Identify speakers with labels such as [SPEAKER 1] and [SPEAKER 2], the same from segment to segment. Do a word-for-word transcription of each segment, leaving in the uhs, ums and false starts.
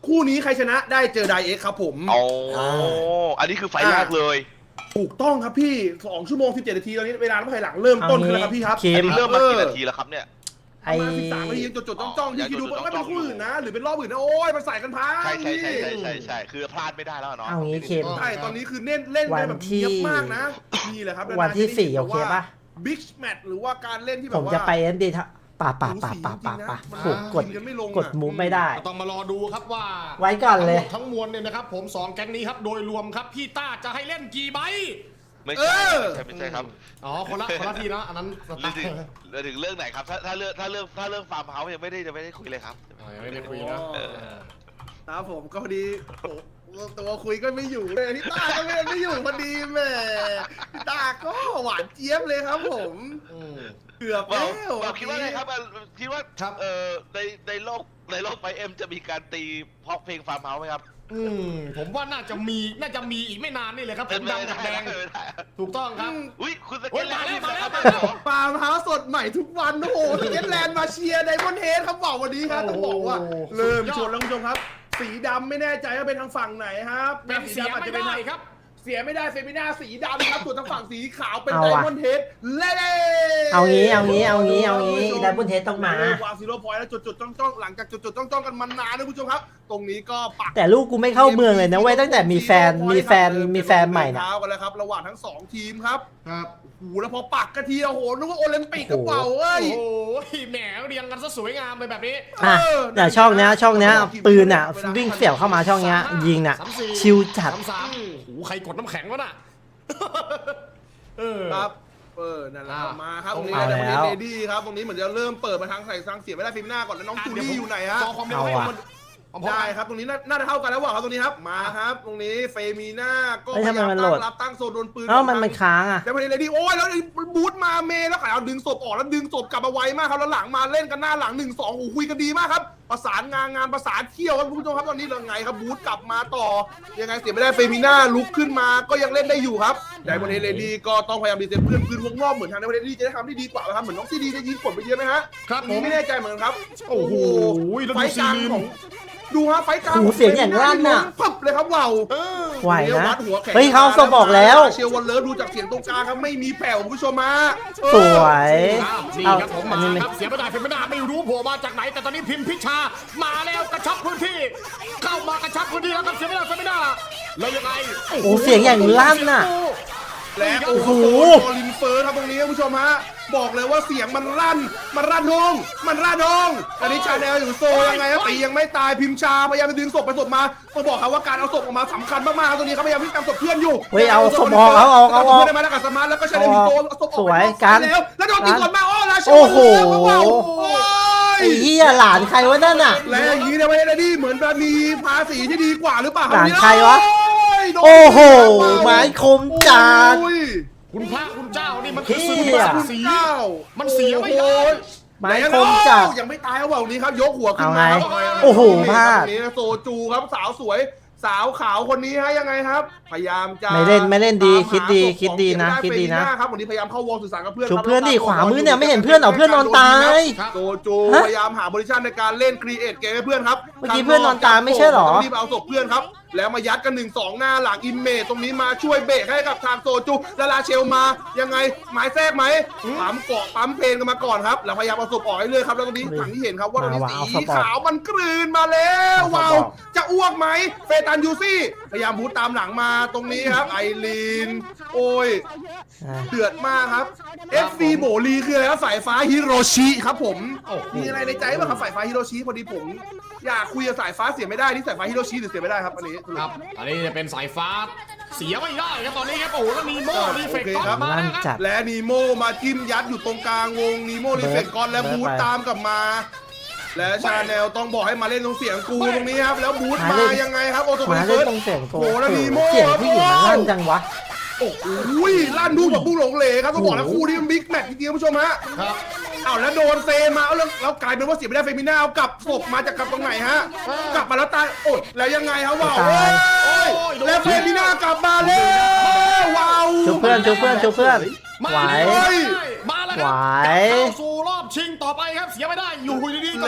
[SPEAKER 1] คู่นี้ใครชนะได้เจอไดเอ็กครับผม
[SPEAKER 2] อ๋ออันนี้คือไฟแรกเลย
[SPEAKER 1] ถูกต้องครับพี่สองชั่วโมงสิบเจ็ดนาทีตอนนี้เวลาภายหลังเริ่มต้นขึ้นแล้วครับพี่ครับ
[SPEAKER 2] เริ่มมากี่นาทีแล้วครับเนี่ย
[SPEAKER 1] ไอ้สิบสามนาทีจดจดจ้องๆที่คิดดูไม่เป็นคู่อื่นนะหรือเป็นรอบอื่นนะโอ้ยมันใส่กันพัง
[SPEAKER 2] ใช่ใช่ใช่ใช่ใช่ใช่คือพลาดไม่ได้แล้วเนาะ
[SPEAKER 3] เอางี้เคม
[SPEAKER 1] ใช่ตอนนี้คือเน้นเล่นได้แบบเนียบมากนะนี่แหละครับ
[SPEAKER 3] วันที่สี่โอเคป่ะ
[SPEAKER 1] บิ๊กแมตช์หรือว่าการเล่นที่แบบ
[SPEAKER 3] ผมจะไปเอ็นดีป่าป่าป่าป่าป่าป่าถูกกดกดมูฟไม่ได้
[SPEAKER 4] ต้องมารอดูครับว่า
[SPEAKER 3] ไว้ก่อนเลย
[SPEAKER 4] ทั้งมวลเนี่ยนะครับผมสองแก๊งนี้ครับโดยรวมครับพี่ต้าจะให้เล่นกี่ใบ
[SPEAKER 2] ไม่ใช่ไม่ใช่ครับ
[SPEAKER 4] อ๋อคนละคนละทีนะอันนั้น
[SPEAKER 2] เรื่องถึงเรื่องถึงเรื่องไหนครับถ้าถ้าเรื่องถ้าเรื่องถ้าเรื่องฟาร์มเฮาส์ยังไม่ได้จะไม่ได้คุยเลยครับ
[SPEAKER 4] ยังไม่ได้คุยนะครับ
[SPEAKER 1] ผมก็พอดีตัวคุยก็ไม่อยู่เลยพี่ต้าก็ไม่ไม่อยู่พอดีแม่พี่ต้าก็หวานเจี๊ยบเลยครับผมเกือบแล้ว
[SPEAKER 2] คิดว่าไงครับคิดว่าเอ่อในในโลกในโลกไฟเอ็มจะมีการตีเพราะเพลงฟาร์มเฮาส์ไหมครับ
[SPEAKER 4] อืมผมว่าน่าจะมีน่าจะมีอีกไม่นานนี่เลยครับเป็นดำกับแดงถูกต้องครับ
[SPEAKER 2] อุ้ยคุณสเก็ตแลนด์
[SPEAKER 4] มาแล้ว
[SPEAKER 1] ฟาร์มเฮาส์สดใหม่ทุกวันโอ้โหสเก็ตแลนด์มาเชียร์ไดมอนด์เฮดครับบอกวันนี้ครับต้องบอกว่าเริ่มชวนแล้วคุณผู้ชมครับสีดำไม่แน่ใจว่าเป็นทางฝั่งไหนครับ
[SPEAKER 4] เป็นสีดำอาจจะเป็นไหนครับ
[SPEAKER 1] เสียไม่ได้เฟมิน่าสีดำครับส่วนทางฝั่งสีขาวเป็นไดมอนด์เฮดเล่
[SPEAKER 3] เอางี้เอางี้เอางี้เอางี้ไดมอนด์เฮดต้องมาว
[SPEAKER 1] างซีโร่พอยต์แล้วจุดๆจ้องๆหลังจากจุดๆจ้องๆกันมานานนะคุณผู้ชมครับตรงนี้ก็ปัก
[SPEAKER 3] แต่ลูกกูไม่เข้าเมืองเลยนะเว้ยตั้งแต่มีแฟนมีแฟนมีแฟนใหม่นะ
[SPEAKER 1] เท้ากันแล้วครับระหว่างทั้งสองทีมครับครับโอ้โหแล้วพอปักกะทีโอ้โหนึกว่าโอลิมปิกกระเป๋าเอ้ย
[SPEAKER 4] โอ้โหแหมเรียงกันซะสวยงามเลยแบบนี้
[SPEAKER 3] อ่ะแต่ช่องเนี้ยช่องเนี้ยปืนอ่ะวิ่งเสี่ยวเข้ามาช่องเนี้ยยิงอ่ะชิวจัด
[SPEAKER 4] สามโอ้โหใครกดน้ำแข็งวะน่ะ
[SPEAKER 1] เออครับเออนั่นแหละมาครับตรงนี้ได้ประเด็นเดดี้ครับตรงนี้เหมือนจะเริ่มเปิดมาทางใส่ทางเสียไม่ได้ฟิล์มหน้าก่อนแล้วน้องจูลี่อยู่ไหนฮะ
[SPEAKER 3] เอาอ่ะ
[SPEAKER 1] ได้ครับตรงนี้น่าจะเท่ากันแล้วว่ะครับตรงนี้ครับมาครับตรงนี้เฟมีน่าก็
[SPEAKER 3] พยายามตั้
[SPEAKER 1] งรับตั้งโซนโดนปืน
[SPEAKER 3] เอ้ามันมันค้างอ่ะ
[SPEAKER 1] แต่ประเด็นเดดี้โอ้ยแล้วบูทมาเมย์แล้วขายเอาดึงศพออกแล้วดึงศพกลับมาไวมากครับแล้วหลังมาเล่นกันหน้าหลังหนึ่งสองโอ้คุยกันดีมากครับประสานงานงานประสานเที่ยวครับคุณผู้ชมครับตอนนี้เราไงครับบูทกลับมาต่อยังไงเสียไม่ได้เฟมิน่าลุกขึ้นมาก็ยังเล่นได้อยู่ครับแต่ประเด็นเดดี้ก็ต้องพยายามดีเซฟเพื่อนคืนวงรอบเหมือนทางในประเด็นเดดี้จะได้ทำได้ดีกว่าครับเหมือนน้องซีดีจะยิงผลไปเยอะไหมฮะ
[SPEAKER 4] ครับ
[SPEAKER 1] ผมไม่แน่ใจเหมือนกันครับ
[SPEAKER 4] โอ้โห
[SPEAKER 1] ไฟกลางของดูฮะไฟกลาง
[SPEAKER 3] เสียงอย่างลั่นน่ะ
[SPEAKER 1] ปึ๊บเลยครับว้าว
[SPEAKER 3] ไหวนะเฮ้ยเขาสบอกแล้ว
[SPEAKER 1] เชียววันเลิฟดูจากเสียงตรงกลางครับไม่มีแผ่วคุณผู้ชมมา
[SPEAKER 3] สวย
[SPEAKER 4] เอาผมมาครับเสียไม่ได้เสียไม่ได้ไม่รู้โผล่มาจากไหนแต่ตอนนี้พิมพิชามาแล้วกระชับพื้นที่เข้ามากระชับพื้นที่แล้วครับเสียไม่ได้เสียไม่ได้แล้วยังไง
[SPEAKER 3] โอ้เสียงอย่างลั่นน่ะ
[SPEAKER 1] และโอ้โหลินเฟิร์สครับตรงนี้คุณผู้ชมฮะบอกเลยว่าเสียงมันลั่นมันรั่นทงมันรั่นทงอันนี้ชาแนลอยู่โซยังไงครับตียังไม่ตายพิมชาพยายามจะดึงศพไปศพมาต้องบอกครับว่าการเอาศพออกมาสำคัญมากๆตรงนี้เขาพยายามที่จะศพเพื่อนอยู่
[SPEAKER 3] เฮ้ยเอาศพออกเอาออกเอาออก
[SPEAKER 1] ได้ไหมแล้วกับสมาร์ทแล้วก็ชาแนลอยู่โซศพออก
[SPEAKER 3] สวยกัน
[SPEAKER 1] แล้วแล้วโดนตีก่อนมาโอ้ลาช
[SPEAKER 3] โอ้โหไอ้เหี้ยหลานใครวะนั่นน่ะ
[SPEAKER 1] และอย่างนี้เนี่ยไม่ได้ดีเหมือนแบบมีภาษีที่ดีกว่าหรือเปล่า
[SPEAKER 3] หลานใครวะโอ้โหไม้คมจัด
[SPEAKER 4] คุณพระคุณเจ้านี่มันคือสุดมันสีมันเสียไม่ได้
[SPEAKER 3] ไม้คมจัด
[SPEAKER 1] ยังไม่ตายเขาบอกนี้ครับยกหัวขึ้น
[SPEAKER 3] มา
[SPEAKER 1] ครับ
[SPEAKER 3] โอ้โหพลาด
[SPEAKER 1] นี้โซจูครับสาวสวยสาวขาวคนนี้ฮะยังไงครับพยายามจะ
[SPEAKER 3] ไม่เล่นไม่เล่นดีคิดดีคิดดีนะคิดดีนะครับ
[SPEAKER 1] วันนี้พยายามเข้าวอลสื่อสารกับเพื่อน
[SPEAKER 3] ชุบเพื่อนดิขวามือเนี่ยไม่เห็นเพื่อนเหรอเพื่อนนอนตาย
[SPEAKER 1] โซจูพยายามหาโพซิชั่นในการเล่นครีเอทเกมให้เพื่อนครับ
[SPEAKER 3] เมื่อกี้เพื่อนนอนตายไม่ใช่หรอ
[SPEAKER 1] รีบเอาศพเพื่อนครับแล้วมายัดกันหนึ่งสองหน้าหลังอิมเมจตรงนี้มาช่วยเบรกให้กับทางโซจูลาลาเชลมายังไงหมายแทรกไหมปั๊มเกาะปั๊มเพลนกันมาก่อนครับแล้วพยายามเอาศพออกให้เลยครับแล้วตรงนี้ถังที่เห็นครับว่าตรงนี้สีขาวมันกลืนมาแล้วว้าวจะอ้วกไหมเฟตันยูซี่พยายามบูตตามหลังมาตรงนี้ครับไอรีนโอ้ยเดือดมากครับ เอฟ ซี โบลีคืออะไรครับสายฟ้าฮิโรชิครับผมมีอะไรในใจบ้างครับสายฟ้าฮิโรชิพอดีผมอยากคุยกับสายฟ้าเสียไม่ได้นี่สายฟ้าฮิโรชิหรือเสียไม่ได้ครับอันนี้
[SPEAKER 4] ครับอันนี้จะเป็นสายฟ้าเสียไม่ได้ครับตอนนี้ครับโอ้แล้วนีโม่รีเฟกต์ก็มา
[SPEAKER 1] และนีโม่มาจิ้มยัดอยู่ตรงกลางวงนีโม่รีเฟกต์ก่อนแล้วบูทตามกลับมาและชาแนลต้องบอกให้มาเล่นตรงเสียงกูตรงนี้ครับแล้วบูทมายังไงครับโอโต
[SPEAKER 3] มาเล่นตรงเสียงโอ้
[SPEAKER 1] แล้วนีโม่
[SPEAKER 3] เสียงผู้หญิงมันลั่นจังวะ
[SPEAKER 1] โอ้โหลั่นดูแบบบุ้งหลงเหลครับต้องบอกนะคู่นี้มันบิ๊กแมตช์จริงๆผู้ชมฮะครับอ้าวแล้วโดนเซมาแล้วแล้วกลายเป็นว่าเสียไม่ได้เฟมิน่าเอากลับศพมาจากกลับตรงไหนฮะกลับมาแล้วตายโอ้แล้วยังไงครับว้าวแล้วเฟมิน่ากลับมาแล้วว้าว
[SPEAKER 3] ช่วยเพื่อนช่วยเพื่อนช่วยเพื่อนไหว
[SPEAKER 4] มาแล้ว
[SPEAKER 3] ไหว
[SPEAKER 4] เข้าสู่รอบชิงต่อไปครับเสียไม่ได้อยู่ดีๆก็กลับมา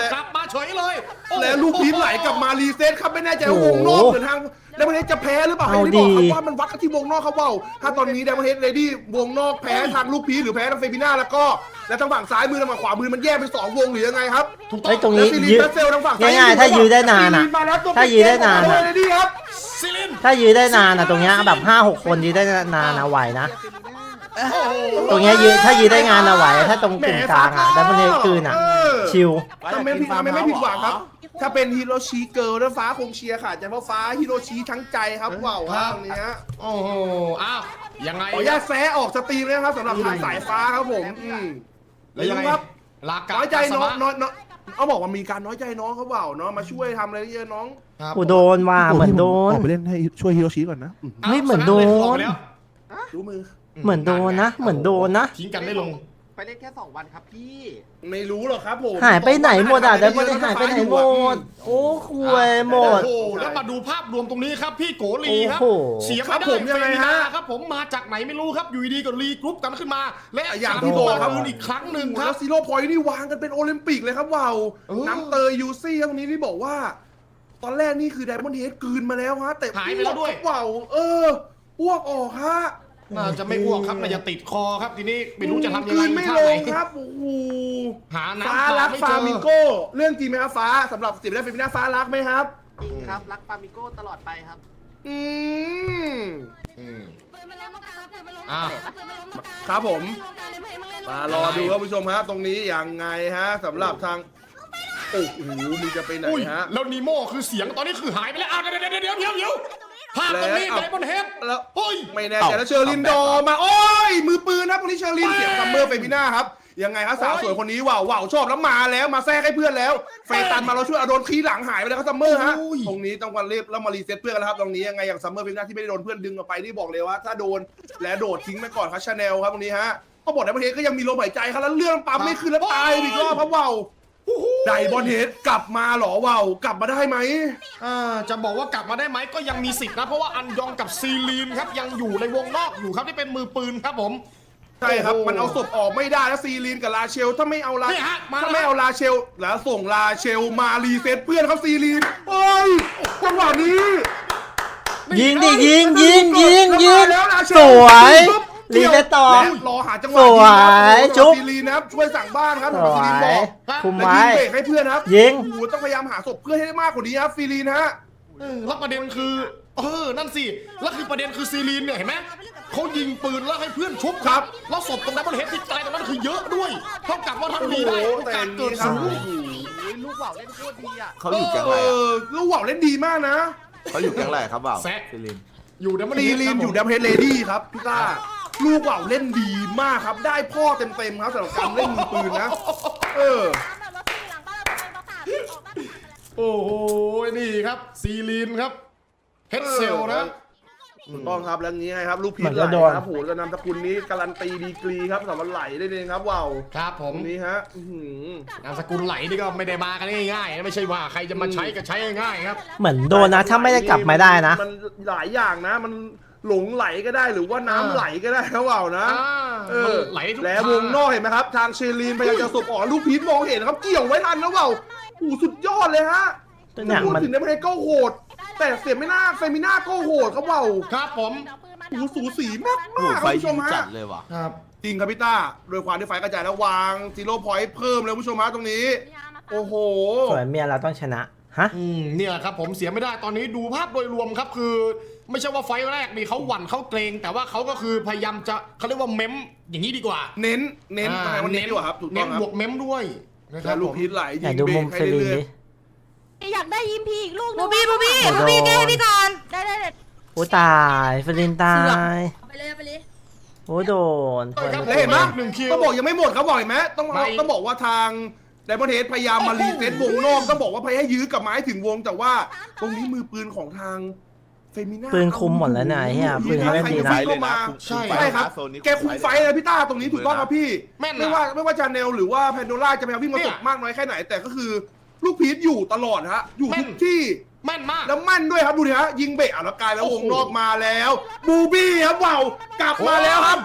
[SPEAKER 4] เฉยเลยโอ้โห
[SPEAKER 1] แล้วลูกพีชไหลกลับมารีเซ็ตครับไม่แน่ใจว่าวงนอกหรือทางไดมอนเฮดจะแพ้หรือเปล่าให้ได้บอกครับว่ามันวัดกันที่วงนอกครับว่าวถ้าตอนนี้ไดมอนเฮดเลดี้วงนอกแพ้ทางลูกพีชหรือแพ้ทางเฟมิน่าแล้วก็แล้วทางฝั่งซ้ายมือทางฝั่งขวามือมันแยกเป็นสองวงหรือยังไงครับ
[SPEAKER 4] ถูกต้
[SPEAKER 3] ไอ้
[SPEAKER 4] อง
[SPEAKER 3] ตรง
[SPEAKER 1] แล้ว
[SPEAKER 3] นี้
[SPEAKER 1] ซีรี
[SPEAKER 3] ยื
[SPEAKER 1] น
[SPEAKER 3] ด
[SPEAKER 1] แบทเซลทางฝั่งซ้าย
[SPEAKER 3] ง่ายๆถ้ายื้อได้นานอะ
[SPEAKER 1] ซีรีมาแล้วตรง
[SPEAKER 3] ถ้ายื้อได้นานอะ
[SPEAKER 1] เลดี้ครับ
[SPEAKER 4] ซิลิน
[SPEAKER 3] ถ้ายืนได้นานอ่ะตรงเนี้ยแบบห้าหกคนยืนได้นานนะไหวนะ
[SPEAKER 4] โอ้โห
[SPEAKER 3] ตรงเนี้ยยืนถ้ายืนได้งานอะไหวถ้าตรงกึ่งกลางอ่ะดับเบิลเฮดคืนอ่ะ
[SPEAKER 1] เออ
[SPEAKER 3] ชิล
[SPEAKER 1] ทำไมผิดทำไมไม่ผิดหวังครับ ถ้าเป็นฮิโรชิเกิร์ลแล้วฟ้าคงเชียร์ค่ะใจเพราะฟ้าฮิโรชิทั้งใจครับว้าวครับตรงนี้ฮะ
[SPEAKER 4] โอ้โหอ้าวยังไง
[SPEAKER 1] ขออนุญาตแซะออกสตรีมเลยนะครับสำหรับทางสายฟ้าครับผมอืม
[SPEAKER 4] แล้วยังไง
[SPEAKER 1] ครับ
[SPEAKER 4] ลากา
[SPEAKER 1] น้อยใจน้อง
[SPEAKER 4] สมะ
[SPEAKER 1] น้อยน้อยเอาบอกว่ามีการน้อยใจน้องเขาเปล่าเนาะมาช่วยทำอะไรเยอะน้อง
[SPEAKER 4] ครับ
[SPEAKER 3] กูโดนว่าเหมือนโดน
[SPEAKER 1] ออกไปเล่นให้ช่วยฮิโรชิก่อนนะ
[SPEAKER 3] เฮ้ยเหมือนโดน
[SPEAKER 4] ออกไปแล้ว
[SPEAKER 1] รู้มือ
[SPEAKER 3] เหมือนโดนนะเหมือนโดนนะ
[SPEAKER 4] ทิ้งกันได้ลง
[SPEAKER 5] ไปเล่นแค่สองวันครับพี่
[SPEAKER 1] ไม่รู้หรอกครับผม
[SPEAKER 3] หายไปไหนหมดอ่ะดับเบิลเฮดหายไปไหนหมด โอ้คุยหมด
[SPEAKER 4] โอ้โหแล้วมาดูภาพรวมตรงนี้ครับพี่โกลีครับ
[SPEAKER 3] โอ้โห
[SPEAKER 4] เสีย
[SPEAKER 1] ครับ
[SPEAKER 4] ไม่
[SPEAKER 1] ผ
[SPEAKER 4] ได้
[SPEAKER 1] มยังไงฮะ
[SPEAKER 4] ครับผมมาจากไหนไม่รู้ครับอยู่ดีๆก็รีกรุ๊ปกันขึ้นมา และ
[SPEAKER 1] อย่างที่บอกครับ
[SPEAKER 4] อีกครั้งหนึ่งค
[SPEAKER 1] แล้
[SPEAKER 4] รับ
[SPEAKER 1] วซีโร่พอยต์นี่วางกันเป็นโอลิมปิกเลยครับว้าว
[SPEAKER 4] เออ
[SPEAKER 1] น้ำเตยยูซี่ครับตรงนี้ที่บอกว่า ตอนแรกนี่คือไดมอนด์เฮดกลืนมาแล้วฮะแต่
[SPEAKER 4] หายไปแล้วด้วย
[SPEAKER 1] ว้าวเอออ้วกออกฮะ
[SPEAKER 4] น่าจะไม่อ้วกครับน่าจะติดคอครับทีนี้ไม่รู้จะทำยัง
[SPEAKER 1] กลื
[SPEAKER 4] ไง
[SPEAKER 1] นไม่
[SPEAKER 4] ท่า
[SPEAKER 1] ล
[SPEAKER 4] ไหน
[SPEAKER 1] งครับโอ้โห
[SPEAKER 4] หาน้ำ
[SPEAKER 1] ฟ้ารัก
[SPEAKER 4] ไม่
[SPEAKER 1] ฟา
[SPEAKER 4] เจอ
[SPEAKER 1] มิโก้เรื่องจริงไหมครับฟ้าสำหรับสิบได้เป็นหน้าฟ้ารักไหมครับ
[SPEAKER 5] จริงครับ รักฟามิโก้ตลอดไปครับ
[SPEAKER 1] อืม
[SPEAKER 4] อืมอ่ะ
[SPEAKER 1] ครับผมมารอดูครับผู้ชมฮะตรงนี้ยังไงฮะสำหรับทางโอ้โหมึงจะไปไหน
[SPEAKER 4] อุ้ย
[SPEAKER 1] ฮะ
[SPEAKER 4] แล้วนีโม่คือเสียงตอนนี้คือหายไปแล้วอ้าวเดี๋ยวเดี๋ยวเดี๋ยวเดี๋ยวเดี๋ยวภาพตรงนี้
[SPEAKER 1] แล้ว
[SPEAKER 4] ไดมอนด์เฮด
[SPEAKER 1] แล้ว
[SPEAKER 4] เฮ้ย
[SPEAKER 1] ไม่แน่ใจแล้วเชอร์ลินดอร์มาโอ้ยมือปืนนะตรงนี้เชอร์ลินเสียงซัมเมอร์เฟมิน่าครับยังไงครับสาวสวยคนนี้ว้าวว้าวชอบแล้วมาแล้วมาแทรกให้เพื่อนแล้วเฟตันมาเราช่วยเอาโดนขี้หลังหายไปแล้วครับซัมเมอร์ฮะ
[SPEAKER 4] โอ้ย
[SPEAKER 1] ตรงนี้ต้องวันเรียบแล้วมารีเซ็ตเพื่อนกันแล้วครับตรงนี้ยังไงอย่างซัมเมอร์เฟมิน่าที่ไม่ได้โดนเพื่อนดึงออกไปนี่บอกเลยว่าถ้าโดนและโดดทิ้งไปก่อนครับชาแนลครับตรงนี้ฮะก็บอกในประเทศก็ยังมีลมหายใจครับแล้วเรื่องปั๊มไม่ขึ้นแล้วตายอีกรอบครับว้าวไดบอลเฮดกลับมาเหรอว้าวกลับมาได้ไหม
[SPEAKER 4] อ่าจะบอกว่ากลับมาได้ไหมก็ยังมีสิทธิ์นะเพราะว่าอันยองกับซีลีนครับยังอยู่ในวงนอกอยู่ครับที่เป็นมือปืนครับผม
[SPEAKER 1] ใช่ครับ
[SPEAKER 4] โอ้โห
[SPEAKER 1] มันเอาศพออกไม่ได้แล้วซีลีนกับลาเชล ถ้าไม่เอาลา
[SPEAKER 4] นี่ฮะมาแล้ว
[SPEAKER 1] ถ้าไม่เอาลาเชล แล้วส่งลาเชลมารีเซ็ตเพื่อนเขาซีลีนโอ้ยจังหวะนี้
[SPEAKER 3] ยิงดิยิงยิงยิงยิง
[SPEAKER 1] แล้วลาเชล
[SPEAKER 3] สวย
[SPEAKER 1] ปุ๊บ
[SPEAKER 3] รีเซ็ตต่อ
[SPEAKER 1] และรอหาจังหวะ
[SPEAKER 3] สวย
[SPEAKER 1] ยิงครับ
[SPEAKER 3] ชุบ
[SPEAKER 1] ซีลีนนะครับช่วยสั่งบ้านครับ
[SPEAKER 3] ส
[SPEAKER 1] สำหรับ
[SPEAKER 3] ว
[SPEAKER 1] ซีลีนบ
[SPEAKER 3] ย
[SPEAKER 1] อก
[SPEAKER 3] คุม
[SPEAKER 1] และ
[SPEAKER 3] ไว้
[SPEAKER 1] ยิงเบรกให้เพื่อนครับ
[SPEAKER 3] ยิง
[SPEAKER 1] โอ้โหต้องพยายามหาศพเพื่อนให้ได้มากกว่านี้ครับซีลีนฮะ
[SPEAKER 4] เออแล้วประเด็นคือเออนั่นสิแล้วคือประเด็นคือซีลีนเนี่ยเห็นไหมเขายิงปืนแล้วให้เพื่อนชุบครับแล้วศพตรงนั้นมันเห็นที่ตายตรงนั้นคือเยอะด้วยเท่ากับว่าถ้า
[SPEAKER 1] โอ้โห
[SPEAKER 4] มีได้โอ
[SPEAKER 1] แต่
[SPEAKER 4] กาส
[SPEAKER 1] นี้
[SPEAKER 4] เกิด
[SPEAKER 1] ครั
[SPEAKER 4] สู
[SPEAKER 1] บ
[SPEAKER 4] ง
[SPEAKER 1] โอ้โห
[SPEAKER 5] ลูกว่าวเล่นโคตรดีอ่ะ
[SPEAKER 6] เขาอยู่แก๊ง
[SPEAKER 1] เอ
[SPEAKER 6] อะไรอะ
[SPEAKER 1] อลูกว่าวเล่นดีมากนะ
[SPEAKER 6] เขาอยู่แก๊งอะไรครับบ่าว
[SPEAKER 4] แซะ
[SPEAKER 6] ซิลิน
[SPEAKER 4] อยู่ดับเบิล
[SPEAKER 1] ซี
[SPEAKER 4] เฮด
[SPEAKER 1] ลีนอยู่ดัมเฮดเลดี้ครับพี่ต้าลูกว่าวเล่นดีมากครับ ได้พ่อเต็มๆครับสำหรับการเล่นมือปืนนะ เออ
[SPEAKER 4] โอ้โหนี่ครับซีลีนครับเฮดเซลนะ
[SPEAKER 1] ถูกต้องครับแล้วงี้ไงครับ ลูกพี
[SPEAKER 3] เหมื
[SPEAKER 1] ช
[SPEAKER 3] อน
[SPEAKER 1] ไหล
[SPEAKER 3] จะโดน
[SPEAKER 1] ครับโหจะนำตระกูลนี้การันตีดีกรีครับสำหรับไหลได้เลยครับว้าว
[SPEAKER 4] ครับผ
[SPEAKER 1] ต
[SPEAKER 4] ม
[SPEAKER 1] รงนี้ฮะอื้อหือน
[SPEAKER 4] ามสกุลไหลนี่ก็ไม่ได้มากันง่ายๆนะไม่ใช่ว่าใครจะมาใช้ก็ใช้ง่ายๆครับ
[SPEAKER 3] เหมือนโดนนะถ้าไม่ได้กลับมาได้นะ
[SPEAKER 1] มันหลายอย่างนะ มันหลงไหลก็ได้หรือว่าน้ำไหลก็ได้ครับว้าวนะ
[SPEAKER 4] อ่า
[SPEAKER 1] เอ
[SPEAKER 4] มัน
[SPEAKER 1] อ
[SPEAKER 4] ไหลทุก
[SPEAKER 1] แล้ว
[SPEAKER 4] ทาง
[SPEAKER 1] วงนอกเห็นไหมครับ ทางเชลีนพยายามจะสบออกลูกพีชมองเห็นครับเกี่ยวไว้ทันแล้วว้าวโอ้โหสุดยอดเลยฮะ
[SPEAKER 3] ตัวอย่าง
[SPEAKER 1] พูด
[SPEAKER 3] มัน
[SPEAKER 1] ถึงในประเทศก็โหด แต่เสียไม่น่าเฟมิน่าก็โหดครับว้าว
[SPEAKER 4] ครับผม
[SPEAKER 1] โอ้โหสูสีมาก
[SPEAKER 6] โอ้
[SPEAKER 1] มาก
[SPEAKER 6] โห
[SPEAKER 1] ครับ
[SPEAKER 6] ไฟ
[SPEAKER 1] ผู้ช
[SPEAKER 6] ยิ
[SPEAKER 1] ม
[SPEAKER 6] ง
[SPEAKER 1] ฮะ
[SPEAKER 6] จัดเลยว่ะ
[SPEAKER 4] ครับ
[SPEAKER 1] จริงครับพี่ต้าโดยความที่ไฟกระจายแล้ววางซีโร่พอยต์เพิ่มเลยผู้ชมฮะตรงนี้ โอ้โห
[SPEAKER 3] สวยเมียเราต้องชนะ ฮะ
[SPEAKER 4] อืมเนี่ยครับผมเสียไม่ได้ตอนนี้ดูภาพโดยรวมครับคือ ไม่ใช่ว่าไฟล์แรกนี่เขาหวั่นเขาเกรง แต่ว่าเขาก็คือพยายามจะเขาเรียกว่าเม้มอย่างนี้ดีกว่า
[SPEAKER 1] เน้นเน้น
[SPEAKER 4] อ่า
[SPEAKER 1] ทำไมมันเน้นดีกว่าครับถูกต้
[SPEAKER 4] เน้
[SPEAKER 1] อง
[SPEAKER 4] น
[SPEAKER 1] ครับ
[SPEAKER 4] บวกเม้มด้วยนะค
[SPEAKER 1] แล้
[SPEAKER 4] รับ
[SPEAKER 1] วลู
[SPEAKER 4] ผ
[SPEAKER 1] ก
[SPEAKER 4] ม
[SPEAKER 1] พีชไหล
[SPEAKER 3] อ
[SPEAKER 1] ยิ
[SPEAKER 3] ยาก
[SPEAKER 1] ง
[SPEAKER 3] ดู
[SPEAKER 1] เบร
[SPEAKER 3] มุ
[SPEAKER 1] ก
[SPEAKER 3] ม
[SPEAKER 1] ให้
[SPEAKER 3] เฟรี
[SPEAKER 1] เรื่อย
[SPEAKER 3] ดิ
[SPEAKER 7] อยากได้ยิมพีอีกลูก
[SPEAKER 8] บูบี้บูบี้
[SPEAKER 3] โอ้โห
[SPEAKER 8] บูบี้แก้ให้พี่ก่อน
[SPEAKER 7] ได้ได้ได้
[SPEAKER 3] โอ้ตายเฟรินตาย
[SPEAKER 7] ไปเลยไปเลย
[SPEAKER 3] โอ้โดน
[SPEAKER 4] เออครับ
[SPEAKER 1] ๆแล้วเห็นไหม
[SPEAKER 4] หนึ่งคิว
[SPEAKER 1] ต้องบอกยังไม่หมดครับบอกเห็นไหมต้อง
[SPEAKER 4] ไม่
[SPEAKER 1] ต้องบอกว่าทางไดมอนเฮดพยายามมารีเซ็ตวงนอกต้องบอกว่าพยายามให้ยื้อกลับมาให้ถึงวง แต่ว่าตรงนี้มือปืนของทางเฟมิน่า
[SPEAKER 3] ปืนคุมหมดแล้วนะไอ้เหี้ยปืนเขาเล่นดีนะ
[SPEAKER 6] ไฟเลยนะ
[SPEAKER 4] ใช่
[SPEAKER 1] ใช่ครับ
[SPEAKER 6] โซนนี้
[SPEAKER 1] แกคุมไฟนะพี่ต้าตรงนี้ถูกต้องครับพี่
[SPEAKER 4] แม่นนะ
[SPEAKER 1] ไม่ว่าไม่ว่าจาเนลหรือว่าแพนโดล่าจะพยายามวิ่งมา
[SPEAKER 4] เนี่
[SPEAKER 1] ต
[SPEAKER 4] ย
[SPEAKER 1] กมากน้อยแค่ไหน แต่ก็คือลูกพีชอยู่ตลอดฮะอยู่
[SPEAKER 4] แม่
[SPEAKER 1] ทุ
[SPEAKER 4] น
[SPEAKER 1] กที่
[SPEAKER 4] แม่นมาก
[SPEAKER 1] แล้วมั่นด้วยครับดูดิฮะยิงเบรกอ่ะแล้วกลายแล้ว
[SPEAKER 4] โอ้
[SPEAKER 1] ว
[SPEAKER 4] โห
[SPEAKER 1] งนอกมาแล้ว บูบี้ครับว้าวกลับมาแล้วครับ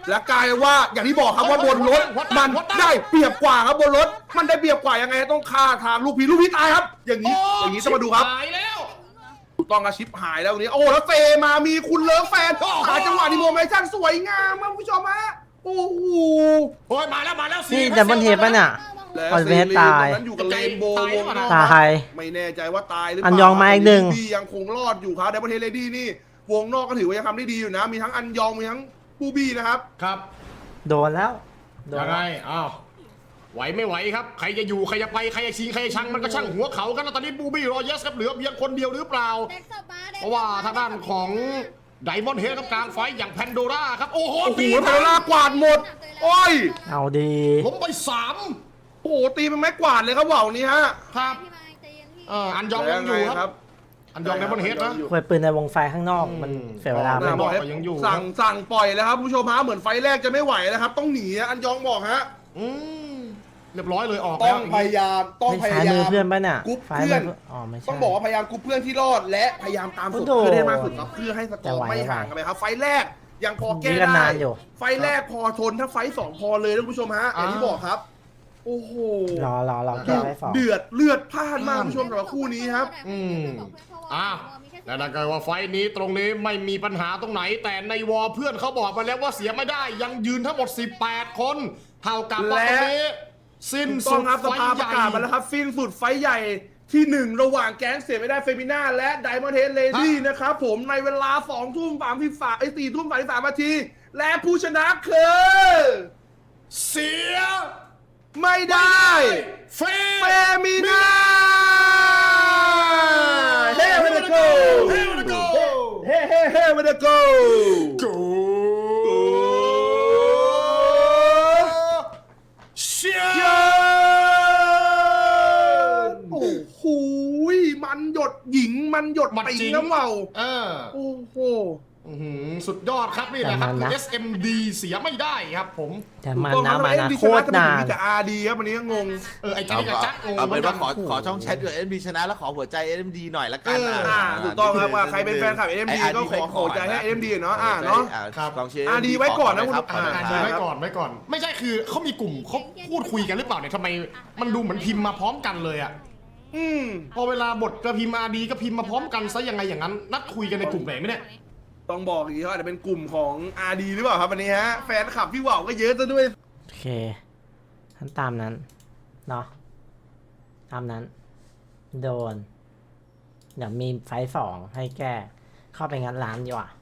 [SPEAKER 1] และกลายว่าอย่างที่บอกครับว่าบนรถมันได้เปรียบกว่าครับบนรถมันได้เปรียบกว่ายังไงต้องฆ่าทางลูกพี่ลูกพี่ตายครับ อย่างนี้อย่างนี้ต้องมาดูครับ
[SPEAKER 4] หายแล้ว
[SPEAKER 1] ถูกต้องกระชิปหายแล้ววันนี้โอ้แล้วเฟมามีคุณเลิฟแฟนหาจังหวะดีโมเมชั่นสวยงามครับคุณผู้ชมฮะโอ้โห
[SPEAKER 4] โอ้ยมาแล้วมาแล้ว
[SPEAKER 3] นี่ดับเบิลเทปป่ะเนี่ย
[SPEAKER 1] แล้ว
[SPEAKER 3] ออนเวสตาย
[SPEAKER 1] ตอนนั้นอยู่กับเลนโบว์วงนอก
[SPEAKER 3] ตาย
[SPEAKER 1] ไม่แน่ใจว่าตายหรือเป
[SPEAKER 3] อั
[SPEAKER 1] ล่าน
[SPEAKER 3] ยองมาอีกหนึ่ง
[SPEAKER 1] ดียังคงรอดอยู่ครับดับเบิลเทเลดี้นี่วงนอกก็ถือว่ายังทำได้ดีอยู่นะ มีทั้งอันยองมีทั้งบูบี้นะครับ
[SPEAKER 4] ครับ
[SPEAKER 3] โดนแล้วโดน
[SPEAKER 4] ยัง
[SPEAKER 3] แล้
[SPEAKER 4] ไง
[SPEAKER 3] ว
[SPEAKER 4] อ้าวไหวไม่ไหวครับใครจะอยู่ใครจะไปใครจะชิงใครจะชังมันก็ช่างหัวเขากันแล้วตอนนี้บูบี้รอเยสครับเหลือเพียงคนเดียวหรือเปล่า เพราะว่าทางด้านของไดมอนด์เฮดกับกลางไฟอย่างแพนโดร่าครับโอ้โห
[SPEAKER 1] โอ้โห
[SPEAKER 4] ตี
[SPEAKER 1] พาราล่ากวาดหมด โอ้ย
[SPEAKER 3] เอาดี
[SPEAKER 4] ล้มไปสาม
[SPEAKER 1] โอ้โหตีเป็นไม้กวาดเลยครับว่าวนี้ฮะ
[SPEAKER 4] ครับเอออันยองยังอยู่ครับอันยองไดมอนด์เฮดนะ
[SPEAKER 3] ควยปืนในวงไฟข้างนอกมันเสียเวลา
[SPEAKER 4] ไม่
[SPEAKER 3] มาก
[SPEAKER 4] บอกว่ายังอยู่
[SPEAKER 1] สั่งสั่งปล่อยแล้วครับผู้ชมฮะเหมือนไฟแรกจะไม่ไหวแล้วครับ ต้องหนีอันยองบอกฮะ
[SPEAKER 4] อืมเรียบร้อยเลยออก
[SPEAKER 1] ต้
[SPEAKER 4] แล้
[SPEAKER 1] อ
[SPEAKER 4] ว
[SPEAKER 1] งพยายามต้อง
[SPEAKER 3] ไม่
[SPEAKER 1] พ
[SPEAKER 3] ซ้าย
[SPEAKER 1] ยายา
[SPEAKER 3] มือ
[SPEAKER 1] ม
[SPEAKER 3] เพื่อนป่ะเนี่ย
[SPEAKER 1] กรุ๊ป
[SPEAKER 3] ซ้าย
[SPEAKER 1] เพื่อน
[SPEAKER 3] มืออ๋อไม่ใช่
[SPEAKER 1] ต้องบอกว่าพยายามกรุ๊ปเพื่อนที่รอด และพยายามตามสุด
[SPEAKER 3] โอ้โห
[SPEAKER 1] เพื่อนให้มากสุดครับเพื่อให้สก
[SPEAKER 3] แต่
[SPEAKER 1] อร์
[SPEAKER 3] ไหว
[SPEAKER 1] ไม่ห่างกันไปครับไฟแรกยังพอแก้
[SPEAKER 3] ยื้อกัน
[SPEAKER 1] ได้
[SPEAKER 3] นานอยู่
[SPEAKER 1] ไฟแรกพอทนถ้าไฟสองพอเลยท่านผู้ชมฮะอย่างที่บอกครับ โอ้โห
[SPEAKER 3] รอรอรอแก้ไว้สอง
[SPEAKER 1] เดือดเลือดพล่านมากคุณผู้ชมสำหรับคู่นี้ครับ
[SPEAKER 4] อืมอ้าวแล้วถ้าเกิดว่าไฟท์นี้ตรงนี้ไม่มีปัญหาตรงไหน แต่ในวอลเพื่อนเขาบอกมาแล้วว่าเสียไม่ได้ยังยืนทั้งหมดสิบแปดคนเท่ากับว่าตรงนี้สิ้น
[SPEAKER 1] ถูกต้
[SPEAKER 4] สุ
[SPEAKER 1] อง
[SPEAKER 4] ด
[SPEAKER 1] ครับส
[SPEAKER 4] ไฟ
[SPEAKER 1] ภา
[SPEAKER 4] ท์
[SPEAKER 1] ป
[SPEAKER 4] ให
[SPEAKER 1] ระ
[SPEAKER 4] ญ่
[SPEAKER 1] กาศมาแล้วครับฟินสุดไฟท์ใหญ่ที่หนึ่งระหว่างแก๊งเสียไม่ได้เฟมิน่าและไดมอนด์เฮดเลดี้นะครับผมในเวลาสองทุ่มสามสิบสามไอ้สี่ทุ่มสามสิบสามนาทีและผู้ชนะคือ
[SPEAKER 4] เสีย
[SPEAKER 1] ไม่ได้
[SPEAKER 4] เฟ
[SPEAKER 1] เฟมิน่าเฮ้วันเดโก
[SPEAKER 4] เฮ้วันเดโก
[SPEAKER 1] เฮ้เฮ้เฮ้วันเดโก
[SPEAKER 4] โกเชีย
[SPEAKER 1] เย้โอ้โหมันหยดหญิงมันหยดติงน้ำเมา
[SPEAKER 4] เออ
[SPEAKER 1] โอ้โห
[SPEAKER 4] อื้อหือสุดยอดครับนี่แหละครับ
[SPEAKER 3] แต่มันนะ
[SPEAKER 4] เอส เอ็ม ดี เสียไม่ได้ครับผม
[SPEAKER 3] แต่มันนะมันนะโคตรนาน
[SPEAKER 1] แต่อาร์ดีครับวันนี้ก็งง
[SPEAKER 4] เออไอ้จักรกับจักรงง
[SPEAKER 6] เอาเป็นว่าขอ
[SPEAKER 3] โอ้โห
[SPEAKER 6] ขอช่องแชทด้วยเอ็มดีชนะแล้วขอหัวใจเอ็มดีหน่อยละกัน
[SPEAKER 4] เออ
[SPEAKER 1] อ่าถูกต้องครับว่าใครเป็นแฟนคลับ เอ็ม ดี ก็ขอขอใจให้ เอ็ม ดี เนาะอ่าเนาะ
[SPEAKER 4] ครับ
[SPEAKER 6] กองเชียร์
[SPEAKER 1] อ่าดีไว้ก่อนนะคุณ
[SPEAKER 6] ครับ
[SPEAKER 4] อ่า
[SPEAKER 6] ขอ
[SPEAKER 4] อ่า
[SPEAKER 6] หน่อย
[SPEAKER 4] ไว้
[SPEAKER 6] ครับ
[SPEAKER 4] ก่อนไว้ก่อน ไม่ใช่คือเขามีกลุ่มเขาพูดคุยกันหรือเปล่าเนี่ยทำไมมันดูเหมือนพิมพ์มาพร้อมกันเลยอะ
[SPEAKER 1] อืม
[SPEAKER 4] พอเวลาบทจะพิมพ์อาดีก็พิมพ์มาพร้อมกันซะยังไงอย่างนั้น นัดคุยกันในกลุ่มไหนไหมเนี่ย
[SPEAKER 1] ต้องบอกอีกทีเขาอาจจะเป็นกลุ่มของ อาร์ ดี หรือเปล่าครับวันนี้ฮะ แฟนคลับพี่ว่าวก็เยอะซะด้วย
[SPEAKER 3] โอเคทั้นตามนั้นเนาะตามนั้น โดน เดี๋ยวมีไฟท์สองให้แก้ เข้าไปงัดร้านดีกว่า